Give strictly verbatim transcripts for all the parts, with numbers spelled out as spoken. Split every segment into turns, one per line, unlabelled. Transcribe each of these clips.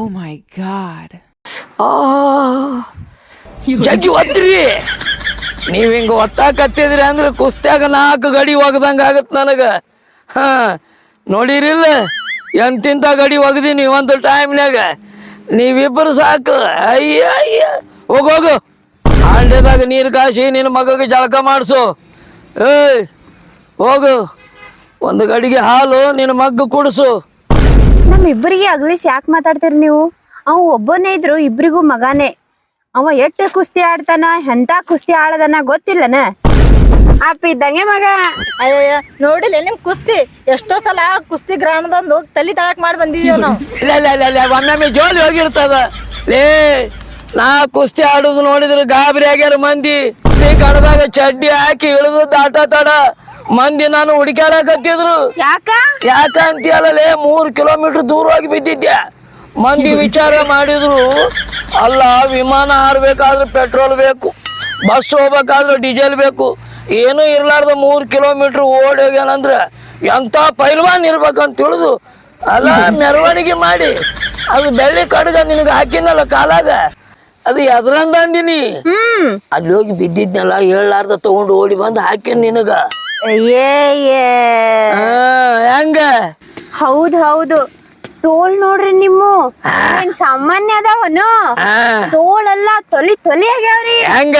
Oh my god.
ಆ ಜಗ್ಗಿ ಒತ್ರಿ ನೀವ್ ಹಿಂಗ ಒತ್ತಾಕತ್ತಿದ್ರಿ ಅಂದ್ರೆ ಕುಸ್ತ್ಯಾಗ ನಾಲ್ಕು ಗಡಿ ಒಗದಂಗ ಆಗತ್ ನನಗ. ಹಾ ನೋಡಿರಿಲ್ಲ ಎಂತಿಂತ ಗಡಿ ಒಗದೀನಿ ಒಂದು ಟೈಮ್ನ್ಯಾಗ. ನೀವಿಬ್ಬರು ಸಾಕು. ಅಯ್ಯ ಅಯ್ಯ ಹೋಗೋಗು ಹಾಂಡ್ಯದಾಗ ನೀರು ಕಾಸಿ ನಿನ್ನ ಮಗಗೆ ಜಳಕ ಮಾಡಿಸು. ಏಯ್ ಹೋಗು ಒಂದು ಗಡಿಗೆ ಹಾಲು ನಿನ್ನ ಮಗ್ಗ ಕುಡಿಸು.
ನಮ್ಮಿಬ್ಬರಿಗೆ ಅಗ್ಲಿಸ್ ಯಾಕೆ ಮಾತಾಡ್ತೀರಿ ನೀವು? ಅವ ಒಬ್ಬನೇ ಇದ್ರು ಇಬ್ರಿಗೂ ಮಗಾನೇ. ಅವ ಎಷ್ಟು ಕುಸ್ತಿ ಆಡ್ತಾನ, ಎಂತ ಕುಸ್ತಿ ಆಡದನ ಗೊತ್ತಿಲ್ಲನ? ಅಪ್ಪ ಇದ್ದಂಗೆ ಮಗ.
ಅಯ್ಯ ನೋಡಿಲ್ಲ ನಿಮ್ ಕುಸ್ತಿ ಎಷ್ಟೋ ಸಲ ಕುಸ್ತಿ ಗ್ರಹಣದಂದು ಹೋಗಿ ತಲಿ ತಳಕ್ ಮಾಡಿ ಬಂದಿದೀವ್ ನಾವು.
ಇಲ್ಲ ಇಲ್ಲ ಇಲ್ಲ ಇಲ್ಲ ಒಮ್ಮೊಮ್ಮೆ ಜೋಲಿ ಹೋಗಿರ್ತದ. ಲೇ ನಾ ಕುಸ್ತಿ ಆಡುದು ನೋಡಿದ್ರೆ ಗಾಬರಿ ಆಗ್ಯಾರ ಮಂದಿ. ಕುಸ್ತಿ ಕಡದಾಗ ಚಡ್ಡಿ ಹಾಕಿ ಇಳಿದು ದಾಟ ತಡ ಮಂದಿ ನಾನು ಹುಡುಕ್ಯಾಡಕತ್ತಿದ್ರು.
ಯಾಕ
ಯಾಕ ಅಂತೀಯಲ್ಲೇ ಮೂರ್ ಕಿಲೋಮೀಟರ್ ದೂರ ಹೋಗಿ ಬಿದ್ದಿದ್ದೆ. ಮಂದಿ ವಿಚಾರ ಮಾಡಿದ್ರು, ಅಲ್ಲ ವಿಮಾನ ಹಾರ್ಬೇಕಾದ್ರೆ ಪೆಟ್ರೋಲ್ ಬೇಕು, ಬಸ್ ಹೋಗ್ಬೇಕಾದ್ರೆ ಡೀಸೆಲ್ ಬೇಕು, ಏನೂ ಇರ್ಲಾರ್ದ ಮೂರ್ ಕಿಲೋಮೀಟರ್ ಓಡಿ ಹೋಗ್ಯಾನಂದ್ರ ಎಂತ ಪೈಲ್ವಾನ್ ಇರ್ಬೇಕಂತ ತಿಳಿದು ಅಲ್ಲ ಮೆರವಣಿಗೆ ಮಾಡಿ ಅದು ಬೆಳ್ಳಿ ಕಡ್ಗ ನಿನಗೆ ಹಾಕಿನಲ್ಲ ಕಾಲಾಗ, ಅದು ಎದ್ರಂದ ಅಂದಿನಿ.
ಹ್ಮ್
ಅಲ್ಲಿ ಹೋಗಿ ಬಿದ್ದಿದ್ನಲ್ಲ ಹೇಳಾರ್ದ ತಗೊಂಡು ಓಡಿ ಬಂದು ಹಾಕಿನ್ ನಿನಗ.
ಏ
ಹೆಂಗ?
ಹೌದ್ ಹೌದು. ತೋಳ್ ನೋಡ್ರಿ ನಿಮ್ಮ ಏನ್ ಸಾಮಾನ್ಯ ಅದಾವನು? ತೋಳೆಲ್ಲ ತೊಲಿ ತೊಲಿ ಆಗ್ಯಾವ್ರಿ.
ಹೆಂಗ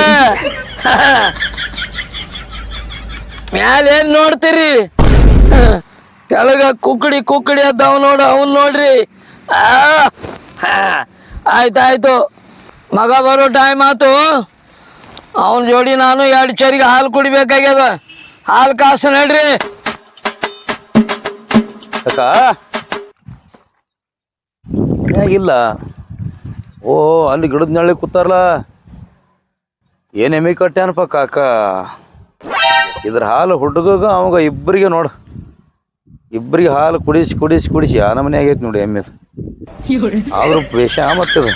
ಮ್ಯಾಲ ಏನ್ ನೋಡ್ತೀರಿ? ಕೆಳಗ ಕುಕ್ಕಡಿ ಕುಕ್ಕಡಿ ಅದಾವ ನೋಡು, ಅವನ್ ನೋಡ್ರಿ. ಆ ಆಯ್ತಾಯ್ತು, ಮಗ ಬರೋ ಟೈಮ್ ಆತು. ಅವನ ಜೋಡಿ ನಾನು ಎರಡು ಚರಿಗೆ ಹಾಲು ಕುಡಿಬೇಕಾಗ್ಯದ. ಹಾಲು ಕಾಸು ನಡ್ರಿ.
ಇಲ್ಲ ಓ ಅಲ್ಲಿ ಗಿಡದ ನಳ್ಳಿ ಕೂತಾರಲ್ಲ, ಏನ್ ಎಮ್ಮಿ ಕಟ್ಟ್ಯಾನಪ್ಪ ಕಾಕ. ಇದ್ರ ಹಾಲು ಹುಡುಗ ಅವಾಗ ಇಬ್ಬರಿಗೆ ನೋಡು, ಇಬ್ಬರಿಗೆ ಹಾಲು ಕುಡಿಸಿ ಕುಡಿಸಿ ಕುಡಿಸಿ ಆ ನಮನೆ ಆಗೈತಿ ನೋಡಿ ಎಮ್ಮೆ. ಆದ್ರೂ ಬೇಷ ಮತ್ತದ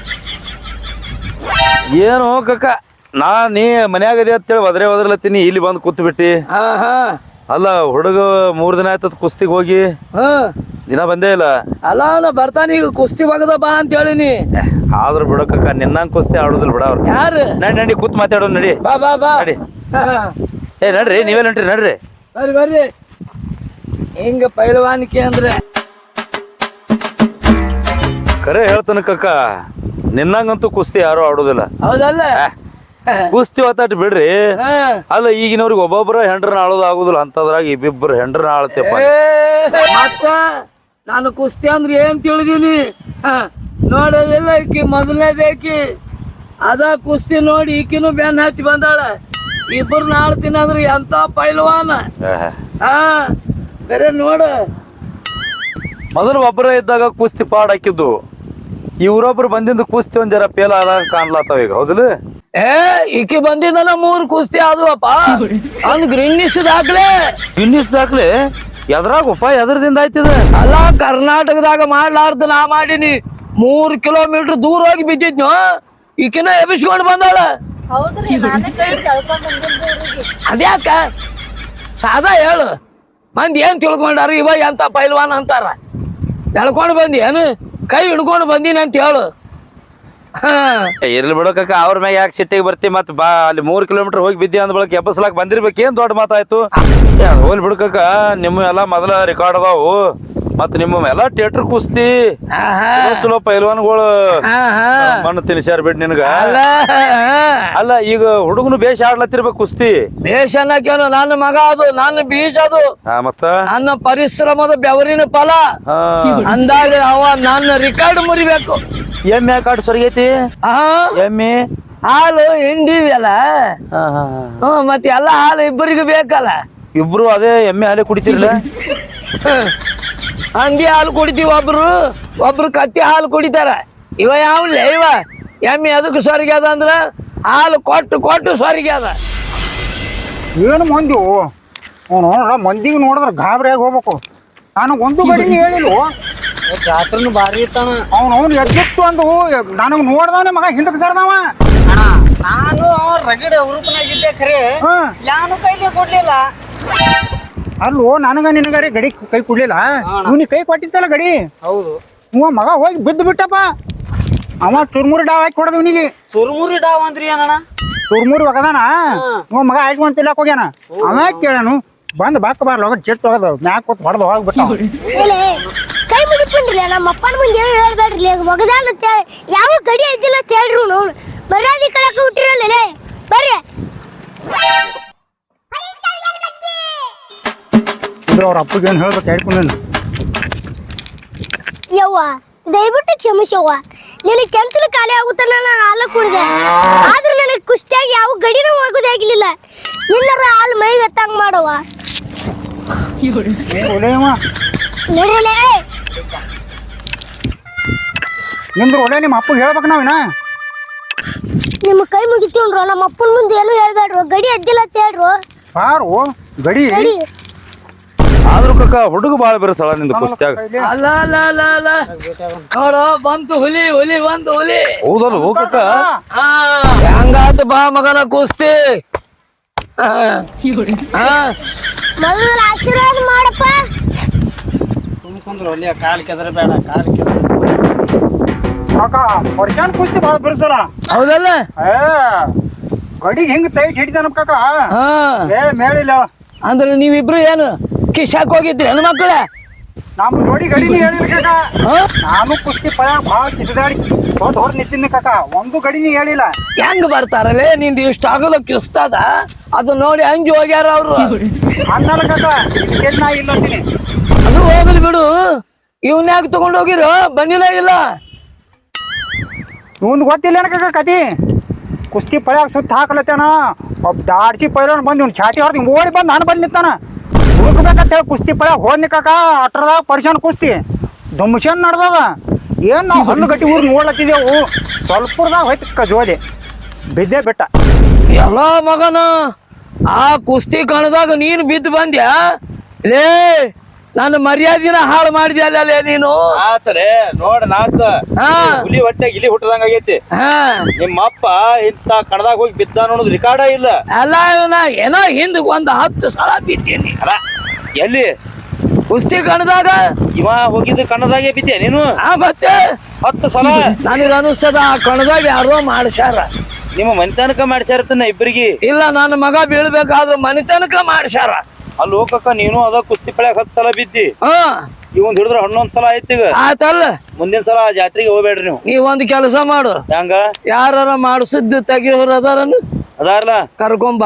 ಏನು ಕಾಕ. ನಾ ನೀ ಮನ್ಯಾಗದೆ ಅಂತೇಳಿ ಒದ್ರೆ ಒದ್ರಲತ್ತೀನಿ, ಇಲ್ಲಿ ಬಂದು ಕೂತ್ ಬಿಟ್ಟಿ. ಅಲ್ಲ ಹುಡುಗ ಮೂರ್ ದಿನ ಆಯ್ತದ ಕುಸ್ತಿಗೆ ಹೋಗಿ, ದಿನ ಬಂದೇ ಇಲ್ಲ.
ಅಲ್ಲ ನಾ ಬರ್ತಾನ ಈಗ ಕುಸ್ತಿ ಒಗದ ಬಾ ಅಂತ ಹೇಳಿನಿ.
ಆದ್ರೂ ಬಿಡಕ್ಕ ನಿನ್ನಂಗ್ ಕುಸ್ತಿ ಆಡುದಿಲ್ಲ ಬಿಡ ಅವ್ರು.
ಯಾರು?
ನಡಿ ನಡಿ ಕೂತ್ ಮಾತಾಡೋ ನಡಿ.
ಬಾ ಬಾ ಬಾ
ನಡಿ. ಏ ನಡ್ರಿ, ನೀವೇ ನಡ್ರಿ ನಡ್ರಿ
ಬರ್ರಿ ಬರ್ರಿ. ಹಿಂಗ ಪೈಲವಾನಿಕೆ ಅಂದ್ರೆ
ಖರೆ ಹೇಳ್ತಾನ ಕಕ್ಕ, ನಿನ್ನಂಗಂತೂ ಕುಸ್ತಿ ಯಾರು ಆಡುದಿಲ್ಲ.
ಹೌದಲ್ಲ?
ಕುಸ್ತಿ ಒತ್ತಾಟ ಬಿಡ್ರಿ. ಅಲ್ಲ ಈಗಿನವ್ರಿಗೆ ಒಬ್ಬೊಬ್ಬರ ಹೆಂಡ್ರನ್ನ ಆಳೋದು ಆಗುದಿಲ್ಲ, ಅಂತದ್ರಾಗ ಇಬ್ಬಿಬ್ಬರು ಹೆಂಡ್ರನ್ನ ಆಳತೆಪ್ಪ.
ಮತ್ತ ನಾನು ಕುಸ್ತಿ ಅಂದ್ರೆ ಏನ್ ತಿಳಿದೀನಿ ನೋಡಲಿಲ್ಲ. ಈಕಿ ಮೊದಲನೇದೇಕಿ ಅದ ಕುಸ್ತಿ ನೋಡಿ ಈಕಿನೂ ಬೆನ್ನ ಹತ್ತಿ ಬಂದಾಳ. ಇಬ್ಬರನ್ನ ಆಡ್ತೀನಿ ಅಂದ್ರೆ ಎಂತ ಪೈಲ್ವಾನ. ಹಾ ಬೇರೆ ನೋಡು,
ಮೊದಲು ಒಬ್ಬರ ಇದ್ದಾಗ ಕುಸ್ತಿ ಪಾಡ್ ಹಾಕಿದ್ದು, ಇವ್ರೊಬ್ರು ಬಂದಿಂದ ಕುಸ್ತಿ ಒಂದ್ ಜರ ಪೇಲ ಆದಾಗ ಕಾಣ್ಲತ್ತಾವ ಈಗ. ಹೌದಿಲ್ಲ?
ಏ ಈಕಿ ಬಂದಿದ್ದನ ಮೂರ್ ಕುಸ್ತಿ ಆದ್ವಪ್ಪ. ಅಂದ್ ಗ್ರೀನಿಸ್ ದಾಖಲೆ.
ಗಿನ್ನಿಸ್ ದಾಖಲೆ ಎದ್ರಾಗಪ್ಪ? ಎದ್ರದಿಂದ ಆಯ್ತದ?
ಅಲ್ಲ ಕರ್ನಾಟಕದಾಗ ಮಾಡ್ಲಾರ್ದ ನಾ ಮಾಡೀನಿ. ಮೂರ್ ಕಿಲೋಮೀಟರ್ ದೂರ ಹೋಗಿ ಬಿದ್ದಿದ್ನು, ಈಕಿನ ಎಬ್ಬಿಸ್ಕೊಂಡು ಬಂದಾಳ.
ಹೌದ್ರಿ, ನಾನೇ ಕೈ ತಳ್ಕೊಂಡ್ ಬಂದಿದ್ದೆ.
ಅದ್ಯಾಕ ಸಾದಾ ಹೇಳು, ಮಂದಿ ಏನ್ ತಿಳ್ಕೊಂಡಾರ ಇವ ಎಂತ ಪೈಲ್ವಾನ್ ಅಂತಾರ. ಎಳ್ಕೊಂಡು ಬಂದಿ ಏನು, ಕೈ ಹಿಡ್ಕೊಂಡು ಬಂದೀನಿ ಅಂತ ಹೇಳು. ಹಾ
ಇರ್ಲಿ ಬಿಡೋಕಕ್ಕ, ಅವ್ರ ಮ್ಯಾಗ ಯಾಕೆ ಸಿಟ್ಟಿಗೆ ಬರ್ತಿ? ಮತ್ ಬಾ ಅಲ್ಲಿ ಮೂರ್ ಕಿಲೋಮೀಟರ್ ಹೋಗಿ ಬಿದ್ದಿ ಅಂದ ಬಳಕ ಎಬ್ಬಸಲಾಕ್ ಬಂದಿರ್ಬೇಕು, ಏನ್ ದೊಡ್ಡ ಮಾತಾಯ್ತು. ಹೋಗ್ಲಿ ಬಿಡ್ಕಕ್ಕ, ನಿಮ್ಮ ಎಲ್ಲಾ ಮೊದಲ ರೆಕಾರ್ಡ್ ಅದಾವು, ಮತ್ ನಿಮ್ಮ ಎಲ್ಲ ಥಿಯೇಟರ್ ಕುಸ್ತಿ ಚಲೋ ಪೈಲ್ವಾನ್ಗಳು ಮಣ್ಣು ತಿನ್ಸ್ಯಾರ ಬಿಡ್ ನಿನ್ಗ. ಅಲ್ಲ ಈಗ ಹುಡುಗನು ಬೇಷ ಆಡ್ಲತ್ತಿರ್ಬೇಕು ಕುಸ್ತಿ.
ಬೇಷ ಅನ್ನಕೇನು, ನನ್ನ ಮಗ ಅದು, ನನ್ನ ಬೀಜ ಅದು,
ಮತ್ತ
ನನ್ನ ಪರಿಶ್ರಮದ ಬೆವರಿನ ಫಲ ಅಂದಾಗ ಅವ ನನ್ನ ರಿಕಾರ್ಡ್ ಮುರಿಬೇಕು.
ಎಮ್ಮೆ ಯಾಕೆ ಆಡ್ ಸರಿಗೈತಿ? ಎಮ್ಮೆ
ಹಾಲು ಹಿಂಡಿವಲ್ಲ, ಹ್ಮ್ ಮತ್ತೆ ಎಲ್ಲ ಹಾಲು ಇಬ್ಬರಿಗೂ ಬೇಕಲ್ಲ.
ಇಬ್ರು ಅದೇ ಎಮ್ಮೆ ಹಾಲೆ ಕುಡಿತಿರ್ಲ?
ಹಂದಿ ಹಾಲು ಕುಡಿತೀವಿ ಒಬ್ರು, ಒಬ್ರು ಕತ್ತಿ ಹಾಲು ಕುಡಿತಾರ. ಇವ ಯಾವ್ಲೆ ಇವ ಎಮ್ಮೆ ಅದಕ್ಕೆ ಸ್ವರ್ಗ ಅದ ಅಂದ್ರ ಹಾಲು ಕೊಟ್ಟು ಕೊಟ್ಟು ಸ್ವರ್ಗ ಅದ.
ಏನು ಮಂದಿ ನೋಡ್ರ, ಮಂದಿಗೆ ನೋಡಿದ್ರೆ ಗಾಬರಿಯಾಗಿ ಹೋಗ್ಬೇಕು. ನನಗೆ ಒಂದು ಗಡಿನ ಹೇಳಿಲ್ಲ.
ಜಾತ್ರೆನು ಭಾರಿ ಇರ್ತಾನ
ಅವ್ನು ಅವ್ನು ಎದ್ದಿತ್ತು ಅಂದು ನನಗೆ ನೋಡ್ದಾನೆ ಮಗ ಹಿಂದೆ ಬಿಸಾಡ್ದವ.
ನಾನು ರಗಡ ಹುರುಪನಾಗಿದ್ದೆ ಖರೆ, ಯಾನು ಕೈಲಿ ಕೊಡ್ಲಿಲ್ಲ.
ಅಲ್ಲೋ ನನಗ ನಿನಗಾರಿ ಗಡಿ ಕೈ ಕೊಡ್ಲಿಲ್ಲ, ಇವನಿಗೆ ಕೈ ಕೊಟ್ಟಿತ್ತಲ್ಲ ಗಡಿ.
ಹೌದು,
ಇವ ಮಗ ಹೋಗಿ ಬಿದ್ದು ಬಿಟ್ಟಪ್ಪ. ಅವ ಚುರ್ಮುರಿ ಡಾವ್ ಹಾಕಿ ಕೊಡದ ಇವನಿಗೆ.
ಸುರ್ಮುರಿ ಡಾವ್ ಅಂದ್ರಿ ಏನಣ್ಣ?
ಚುರ್ಮುರಿ ಒಗದಾನ ಇವ ಮಗ ಹಾಕೊಂಡ್ ತಿಲ್ಲಕ್ ಹೋಗ್ಯಾನ. ಅವ ಕೇಳನು ಬಂದ್ ಬಾಕ ಬಾರ್ಲ ಹೋಗ ಚೆಟ್ಟು ಹೋಗದ ಮ್ಯಾಕ್ ಕೊಟ್ಟು ಹೊಡೆದು ಹೋಗ್ಬಿಟ್ಟ.
ಕೈ ಮುಗಿತೀನ್ರಿ ನಮ್ಮ ಅಪ್ಪನ ಮುಂದೆ ಏನು ಹೇಳ್ಬೇಡ್ರಿ ಒಗದಾನ ಯಾವ ಗಡಿ ಐತಿಲ್ಲ ಅಂತ ಹೇಳ್ರಿ ನಾವು ಮರ್ಯಾದೆ ಕಳಕ ಹುಟ್ಟಿರಲ್ಲ ಬರ್ರಿ.
ಅವ್ರ ಅಪ್ಪಗೆ ಏನು ಹೇಳ್ಬೇಕು ಹೇಳ್ಕೊಂಡು
ಯವ್ವ ದಯವಿಟ್ಟು ಕ್ಷಮಿಸವ್ವ. ನಿನಗೆ ಕೆಂಚಲು ಖಾಲಿ ಆಗುತ್ತ ನಾನು ಹಾಲು ಕುಡಿದೆ, ಆದ್ರೂ ನನಗೆ ಕುಸ್ತಿಯಾಗಿ ಯಾವ ಗಡಿನೂ ಹೋಗೋದಾಗಿರ್ಲಿಲ್ಲ. ಇನ್ನರ ಹಾಲು ಮೈಗೆ ಹತ್ತಂಗ್ ಮಾಡವ್ವ. ನೋಡ್ರಲೇ
ನಿಮ್ದು ಒಳ್ಳೆ ನಿಮ್ಮ ಅಪ್ಪಗೆ ಹೇಳ್ಬೇಕು ನಾವಿನ.
ನಿಮ್ಮ ಕೈ ಮುಗಿತೀವ್ರು ನಮ್ಮ ಅಪ್ಪನ ಮುಂದೆ ಏನು ಹೇಳ್ಬೇಡ್ರು, ಗಡಿ ಅದ್ದಿಲ್ಲ ಅಂತ ಹೇಳ್ರು.
ಬಾರು ಗಡಿ
ಗಡಿ
ಆದ್ರೂ ಕಕ್ಕ ಹುಡುಗ ಬಾಳ ಬೆರಸಳ ನಿಂದು ಕುಸ್ತ್ಯಾಗ.
ಅಲ್ಲ ಅಲ್ಲ ಅಲ್ಲ ಅಲ್ಲ ನೋಡ ಬಂತು ಹುಲಿ ಹುಲಿ ಬಂತು ಹುಲಿ.
ಹೌದಲ್ಲ ಹೋ ಕಕ್ಕ.
ಹಾ ಹೆಂಗಾತ ಬಾ ಮಗನ ಕುಸ್ತಿ. ಹಾ ಹಾ
ಮೊದಲ ಆಶೀರ್ವಾದ ಮಾಡಪ್ಪ.
ತುಂಬ್ಕೊಂಡ್ರು ಅಲ್ಲಿ ಕಾಲ್ ಕೆದರ ಬೇಡ ಕಾಲ್ ಕೆದರ.
ಕಾಕ ವರ್ಷಾನ್ ಕುಸ್ತಿ ಭಾಳ ಬಿರ್ಸಲ್ಲ.
ಹೌದಲ್ಲ.
ಏ ಗಡಿಗೆ ಹಿಂಗ್ ತೈಟ್ ಹಿಡಿತಾನ ಕಾಕ.
ಹಾ
ಏ ಮೇಳಿಲ್ಲ
ಅಂದ್ರೆ ನೀವಿಬ್ರು ಏನು ಕಿಶಾಕ್ ಹೋಗಿದ್ರಿ ಹೆಣ್ಮಕ್ಳ?
ನಮ್ಮ ನೋಡಿ ಗಡಿನಿ ಹೇಳಿಲ್ಲ ಕಾಕ. ನಾನು ಕುಸ್ತಿ ಪಳ ಭಾಳ ಕಿಸದಾಡಿ ಹೊದ್ ಹೊರ ನಿಂತಿದ್ನಿ ಕಾಕ, ಒಂದು ಗಡಿನಿ ಹೇಳಿಲ್ಲ.
ಹೆಂಗ್ ಬರ್ತಾರಲ್ಲೇ ನಿಂದು ಇಷ್ಟ ಆಗಲ್ಲ ಕಿಸ್ತದ ಅದು ನೋಡಿ ಹಂಜಿ ಹೋಗ್ಯಾರ ಅವ್ರು.
ಅನ್ನಲ್ಲ ಕಾಕ ಇದಕ್ಕೆ ನಾ ಇಲ್ಲ ಅಂತೀನಿ.
ಅದು ಹೋಗಲಿ ಬಿಡು, ಇವನ್ ಯಾಕೆ ತಗೊಂಡ್ ಹೋಗಿರೋ ಬಂದಿಲ್ಲ ಇಲ್ಲ.
ಇವಂದು ಗೊತ್ತಿಲ್ಲ ಕಾಕ ಕತಿ. ಕುಸ್ತಿ ಪಳ್ಯಾಗ ಸುತ್ತ ಹಾಕಲತ್ತೇನ ಒಬ್ಬ ದಾಡ್ಸಿ ಪೈಲನ್ ಬಂದು ಇವ್ನು ಛಾಟಿ ಹೊಡೆದು ಹಿಂಗೆ ಓಡಿ ಬಂದು ನಾನು ಬಂದು ನಿಂತಾನ. ಹುಡುಕ್ಬೇಕಂತ ಹೇಳಿ ಕುಸ್ತಿ ಪಳ್ಯಾಗ ಹೋದ್ನಿ ಕಾಕ. ಅಟ್ರದಾಗ ಪರಿಶಾನ್ ಕುಸ್ತಿ ದುಮ್ಶನ್ ನಡ್ದದ. ಏನು ನಾವು ಹಣ್ಣು ಗಟ್ಟಿ ಊರು ನೋಡ್ಲತ್ತಿದ್ದೆವು, ಸ್ವಲ್ಪದಾಗ ಹೋಯ್ತು ಕಜೋಲಿ ಬಿದ್ದೇ ಬಿಟ್ಟ.
ಎಲ್ಲ ಮಗನ ಆ ಕುಸ್ತಿ ಕಣದಾಗ ನೀನು ಬಿದ್ದು ಬಂದ್ಯಾ ಲೇ? ನನ್ನ ಮರ್ಯಾದಿನ ಹಾಳು ಮಾಡಿದ್ಯಲ್ಲೇ ನೀನು.
ನಾಚಲೇ ನೋಡ ನಾಚ.
ಹಾ
ಹುಲಿ ಹೊಟ್ಟೆ ಇಲಿ ಹುಟ್ಟದಂಗ ಆಗೈತಿ.
ಹಾ
ನಿಮ್ಮ ಅಪ್ಪ ಇಂತ ಕಣದಾಗ ಹೋಗಿ ಬಿದ್ದ ಅನ್ನೋದು ರಿಕಾರ್ಡ ಇಲ್ಲ.
ಅಲ್ಲ ಇವನ ಏನೋ ಹಿಂದ್ ಒಂದ್ ಹತ್ತು ಸಲ ಬಿದ್ದೀನಿ
ಅಲ್ಲ ಎಲ್ಲಿ
ಕುಸ್ತಿ ಕಣದಾಗ.
ಇವ ಹೋಗಿದ್ದು ಕಣದಾಗೆ ಬಿದ್ದೆ ನೀನು?
ಆ ಮತ್ತೆ
ಹತ್ತು ಸಲ.
ನನಗ ಅನಿಸ್ತದ ಆ ಕಣದಾಗ ಯಾರೋ ಮಾಡ್ಸ್ಯಾರ.
ನಿಮ್ಮ ಮನೆತನಕ ಮಾಡ್ಸ್ಯಾರತನ ಇಬ್ಬರಿಗೆ.
ಇಲ್ಲ ನನ್ನ ಮಗ ಬೀಳ್ಬೇಕಾದ್ರೆ ಮನೆ ತನಕ ಮಾಡ್ಸ್ಯಾರ.
ಅಲ್ಲಿ ಹೋಗಕ್ಕ ನೀನು ಅದ ಕುಸ್ತಿ ಪಳ್ಯಾಗ ಹತ್ತು ಸಲ ಬಿದ್ದಿ.
ಹಾ
ಇವಂದ್ ಹಿಡಿದ್ರ ಹನ್ನೊಂದ್ ಸಲ ಆಯ್ತು ಈಗ.
ಆತಲ್ಲ.
ಮುಂದಿನ ಸಲ ಆ ಜಾತ್ರೆಗೆ ಹೋಗ್ಬೇಡ್ರಿ ನೀವು.
ನೀವ್ ಒಂದ್ ಕೆಲಸ ಮಾಡು,
ಹೆಂಗ
ಯಾರ ಮಾಡಿಸಿದ್ದು ತೆಗಿಯೋರು ಅದಾರನ್ನು
ಅದಾರಲ್ಲ
ಕರ್ಕೊಂಬ.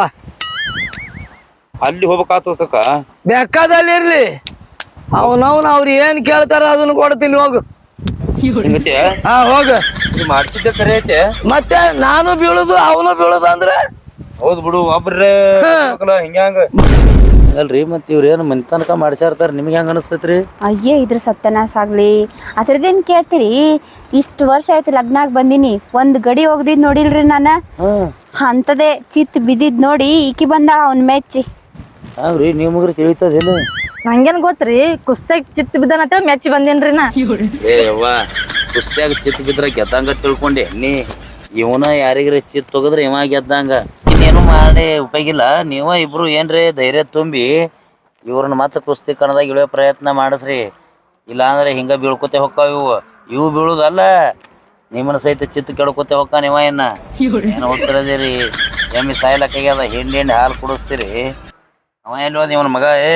ಅಲ್ಲಿ ಹೋಗ್ಬೇಕಾಗ್ತದ ಕಕ್ಕ.
ಬೇಕಾದಲ್ಲಿ ಇರ್ಲಿ, ಅವನವನ್ ಅವ್ರು ಏನ್ ಕೇಳ್ತಾರ ಅದನ್ನ ಕೊಡ್ತೀನಿ ಹೋಗು.
ಹಿಂಗತಿ
ಹಾ ಹೋಗ.
ಮಾಡ್ಸಿದ್ದೆ ಕರೆ ಐತೆ.
ಮತ್ತೆ ನಾನು ಬೀಳುದು ಅವನು ಬೀಳುದು ಅಂದ್ರೆ
ಹೌದ್ ಬಿಡು ಒಬ್ರೇ ಹಿಂಗ್ಯಾಂಗ ಅಲ್ರಿ. ಮತ್ ಇವ್ರ ಏನ್ ಮನೆ ತನಕ ಮಾಡ್ಸ್ಯಾರ್ತಾರ, ನಿಮ್ಗೆ ಹೆಂಗ ಅನಸ್ತೈತ್ರಿ?
ಅಯ್ಯೇ ಇದ್ರ ಸತ್ಯನಾಶ ಆಗ್ಲಿ ಅದ್ರದ್ದೇನ್ ಕೇಳ್ತೀರಿ? ಇಷ್ಟು ವರ್ಷ ಆಯ್ತು ಲಗ್ನಾಗ್ ಬಂದಿನಿ, ಒಂದ್ ಗಡಿ ಹೋಗ್ದಿದ್ ನೋಡಿಲ್ರಿ ನಾನ. ಅಂತದೇ ಚಿತ್ ಬಿದ್ದಿದ್ ನೋಡಿ ಈಕಿ ಬಂದ ಅವ್ನ್ ಮೆಚ್ಚಿ.
ಹಂಗ್ರಿ ನೀವ್ ಮುಗ್ರಿ ತಿಳಿತದೇನು?
ನಂಗೇನ್ ಗೊತ್ತ್ರಿ ಕುಸ್ತಾಗ ಚಿತ್ ಬಿದ್ದಾನಂತ ಮೆಚ್ಚಿ ಬಂದೇನ್ರಿ ನಾ.
ಏ ಯವ್ವ ಕುಸ್ತಿಯಾಗ ಚಿತ್ ಬಿದ್ರ ಗೆದ್ದಂಗ ತಿಳ್ಕೊಂಡೆ ನೀ. ಇವನ ಯಾರಿಗ್ರಿ ಚಿತ್ ಹೋಗದ್ರ ಇವ ಗೆದ್ದಂಗ. ಇನ್ನೇನು ಮಾಡಿ ಉಪಯೋಗಿಲ್ಲ. ನೀವ ಇಬ್ರು ಏನ್ರಿ ಧೈರ್ಯ ತುಂಬಿ ಇವ್ರನ್ನ ಮತ್ತೆ ಕುಸ್ತಿ ಕಣದಾಗ ಇಳಿಯೋ ಪ್ರಯತ್ನ ಮಾಡಿಸ್ರಿ. ಇಲ್ಲ ಅಂದ್ರೆ ಹಿಂಗ ಬೀಳ್ಕೊತೆ ಹೊಕ್ಕಾವ ಇವು. ಇವು ಬೀಳುದಲ್ಲ, ನಿಮ್ಮನ್ನ ಸಹಿತ ಚಿತ್ ಕೆಡ್ಕೊತೆ ಹೊಕ್ಕ. ನೀವ ಏನ ಏನ್ ಹೋಗ್ತಿರದಿರಿ? ಎಮ್ಮಿ ಸಾಯ್ಲಕ್ಕಾಗ್ಯದ, ಹಿಂಡಿ ಹಿಂಡಿ ಹಾಲು ಕುಡಿಸ್ತೀರಿ. ಅವ ಎಲ್ಲಿ ಹೋದ ಇವನ ಮಗ? ಏ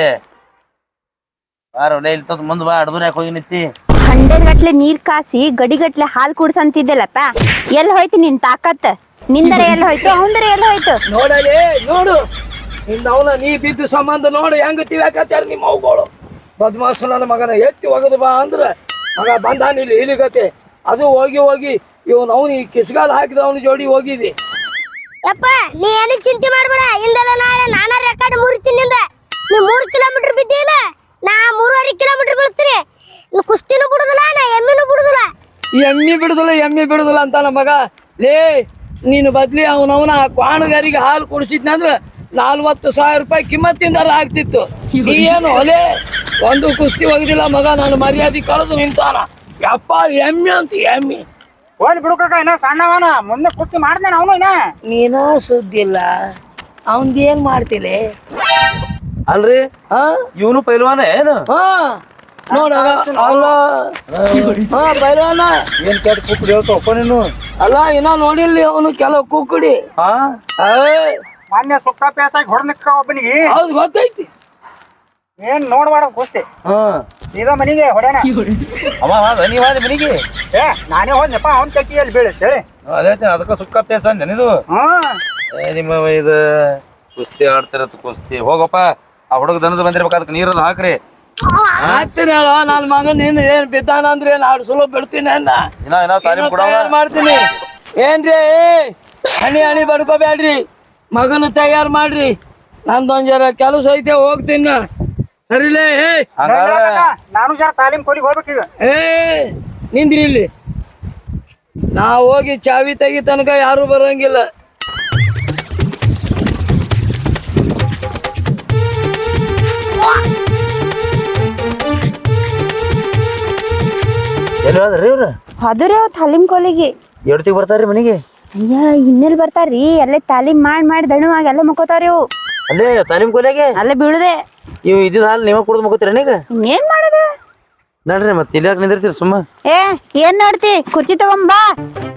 ಬಾರ ಒಳ್ಳೆ ಇಲ್ತದ ಮುಂದ್ ಬಾ. ಅಡ್ದೂರ್ ಯಾಕೆ ಹೋಗಿ ನಿಂತಿ?
ಹಂಡೆಲ್ ಗಟ್ಲೆ ನೀರ್ ಕಾಸಿ ಗಡಿಗಟ್ಲೆ ಹಾಲ್ ಕುಡ್ಸಂತಿದ್ದೆಲ್ಲಪ್ಪ, ಎಲ್ಲಿ ಹೋಯ್ತು ನಿನ್ ತಾಕತ್? ನಿಂದರ ಎಲ್ಲಿ ಹೋಯ್ತು, ಅವಂದರ ಎಲ್ಲಿ ಹೋಯ್ತು?
ನೋಡಲಿ ನೋಡು, ನಿನ್ನ ಅವನ ನೀ ಬಿದ್ದು ಸಂಬಂಧ ನೋಡು ಹೆಂಗ ತಿವ್ಯಾಕತ್ಯಾರ ನಿಮ್ಮ ಅವುಗಳು. ಬದ್ಮಾಸು ನನ್ನ ಮಗನ ಎತ್ತಿ ಒಗದು ಬಾ ಅಂದ್ರ ಮಗ ಬಂದಾನ ಇಲ್ಲಿ ಇಲಿಗತೆ. ಅದು ಹೋಗಿ ಹೋಗಿ ಇವನು ಅವನು ಈ ಕಿಸ್ಗಾಲ ಹಾಕಿದ ಅವನ ಜೋಡಿ ಹೋಗಿದಿ.
ಯಪ್ಪ ನೀ ಏನು ಚಿಂತೆ ಮಾಡ್ಬೇಡ, ಇಂದಲ್ಲ ನಾಳೆ ನಾನ ರೆಕಾರ್ಡ್ ಮುರಿತೀನಿ. ನೀ ಮೂರು ಕಿಲೋಮೀಟರ್ ಬಿದ್ದಿಲ್ಲ, ನಾ ಮೂರುವರೆ ಕಿಲೋಮೀಟರ್ ಬೀಳ್ತೀನಿ. ಕುಸ್ತಿನೂ ಬಿಡುದಿಲ್ಲ, ನಾ ಎಮ್ಮಿನೂ ಬಿಡುದಿಲ್ಲ.
ಎಮ್ಮಿ ಬಿಡುದಿಲ್ಲ ಎಮ್ಮಿ ಬಿಡುದಿಲ್ಲ ಅಂತ ನಮ್ಮ ಮಗ. ಲೇ ನೀನು ಬದ್ಲಿ ಅವನವನ ಕ್ವಾಣಗಾರಿಗೆ ಹಾಲು ಕುಡಿಸಿದ್ನಂದ್ರ ನಾಲ್ವತ್ತು ಸಾವಿರ ರೂಪಾಯಿ ಕಿಮ್ಮತ್ತಿಂದಾರ ಆಗ್ತಿತ್ತು. ನೀ ಏನು ಒಲೆ ಒಂದು ಕುಸ್ತಿ ಒಗದಿಲ್ಲ ಮಗ, ನಾನು ಮರ್ಯಾದೆ ಕಳೆದು ನಿಂತಾನ. ಯಪ್ಪ ಎಮ್ಮಿ ಅಂತ ಎಮ್ಮಿ.
ಹೋಗ್ಲಿ ಬಿಡು ಕಾಕ, ಇನ್ನ ಸಣ್ಣವನ ಮುಂದೆ ಕುಸ್ತಿ ಮಾಡ್ದೇನ ಅವನು. ಇನ್ನ
ನೀನ ಸುದ್ದಿಲ್ಲ, ಅವಂದ ಏನ್ ಮಾಡ್ತಿಲೆ?
ಅಲ್ರಿ
ಹಾ
ಇವನು ಪೈಲ್ವಾನ ಏನು?
ಹಾ ನೋಡ ಅಲ್ಲ ಹಾ ಬೈಲವನ
ಏನ್ ಕೆಟ್ಟ ಕುಕ್ಕಡಿ ಹೇಳ್ತಾವಪ್ಪ ನೀನು
ಅಲ್ಲ ಇನ್ನ ನೋಡಿಲ್ಲ ಅವನು ಕೆಲವು ಕುಕ್ಕುಡಿ
ಹಾ
ಏಯ್,
ಮೊನ್ನೆ ಸುಕ್ಕ ಪೇಸಾಗಿ ಹೊಡೆದಕ್ಕ ಒಬ್ಬನಿಗೆ
ಹೌದು ಗೊತ್ತೈತಿ.
ಏನ್ ನೋಡ್ಬೇಡ ಕುಸ್ತಿ
ಹಾ
ಇದ ಮನಿಗೆ ಹೊಡ್ಯಾನ
ಅವ ಅದ ನೀವ್ ಅದ ಮನಿಗೆ
ಏ ನಾನೇ ಹೋದ್ನಪ್ಪ ಅವ್ನ ಕೈಯಲ್ಲಿ ಬೀಳುತ್ತೆ ಹೇಳಿ
ಅದೇ ಅದಕ್ಕ ಸುಕ್ಕ ಪೇಸ ಅಂದೆ ಇದು
ಹ್ಮ್
ಏ ನಿಮ್ಮ ಇದು ಕುಸ್ತಿ ಆಡ್ತಿರತ್ ಕುಸ್ತಿ ಹೋಗಪ್ಪ ಆ ಹುಡುಗ ದನದ ಬಂದಿರ್ಬೇಕು ಅದಕ್ಕೆ ನೀರನ್ನ ಹಾಕ್ರಿ
ಹಾಕ್ತೀನಿ ಹೇಳ ನನ್ನ ಮಗನ್ ನೀನು ಏನ್ ಬಿದ್ದಾನ ಅಂದ್ರೆ ಏನ್ ಆಡ್ ಸುಲಭ ಬಿಡ್ತೀನಿ ಅನ್ನ
ಇನ್ನ ಏನೋ ತಾಲೀಮ್ ಕೊಡವ
ತಯಾರು ಮಾಡ್ತೀನಿ ಏನ್ರಿ ಹಣಿ ಹಣಿ ಬಡ್ಕೋಬೇಡ್ರಿ ಮಗನ ತಯಾರು ಮಾಡ್ರಿ ನಂದೊಂದ್ ಜರ ಕೆಲಸ ಐತೆ ಹೋಗ್ತೀನಿ ನಾ. ಸರಿಲೇ ಏ
ಹಂಗಾದ್ರೆ
ನಾನು ಜರ ತಾಲೀಮ್ ಕೋಲಿಗೆ ಹೋಗ್ಬೇಕೀಗ
ಏ ನಿಂದ್ರಿ ಇಲ್ಲಿ ನಾ ಹೋಗಿ ಚಾವಿ ತೆಗಿ ತನಕ ಯಾರು ಬರಂಗಿಲ್ಲ.
ಎಲ್ಲಿ ಹೋದ್ರಿ ಇವ್ರು
ಅದುರೇ ತಾಲೀಮ್ ಕೋಲಿಗೆ
ಎಡ್ತಿಗೆ ಬರ್ತಾರ್ರಿ ಮನಿಗೆ
ಅಯ್ಯ ಇನ್ನೆಲ್ ಬರ್ತಾರ್ರಿ ಅಲ್ಲೇ ತಾಲೀಮ್ ಮಾಡಿ ಮಾಡಿ ದಣುವಾಗಿ ಅಲ್ಲೇ ಮುಕ್ಕೋತಾವ್ರಿ ಇವು
ಅಲ್ಲೇ ತಾಲೀಮ್ ಕೊಲೆಗೆ
ಅಲ್ಲೇ ಬೀಳುದೆ
ಇವ್ ಇದ್ದಿದ್ ಹಾಲು ನೀವ ಕುಡ್ದು ಮುಗಿತೀರ ಈಗ
ಏನ್ ಮಾಡೋದು
ನಡ್ರಿ ಮತ್ತೆ ಇಲ್ಲಿ ಯಾಕೆ ನಿಂದಿರ್ತೀರಿ ಸುಮ್ಮ
ಏ ಏನ್ ನೋಡ್ತಿ ಕುರ್ಚಿ ತಗೊಂಬಾ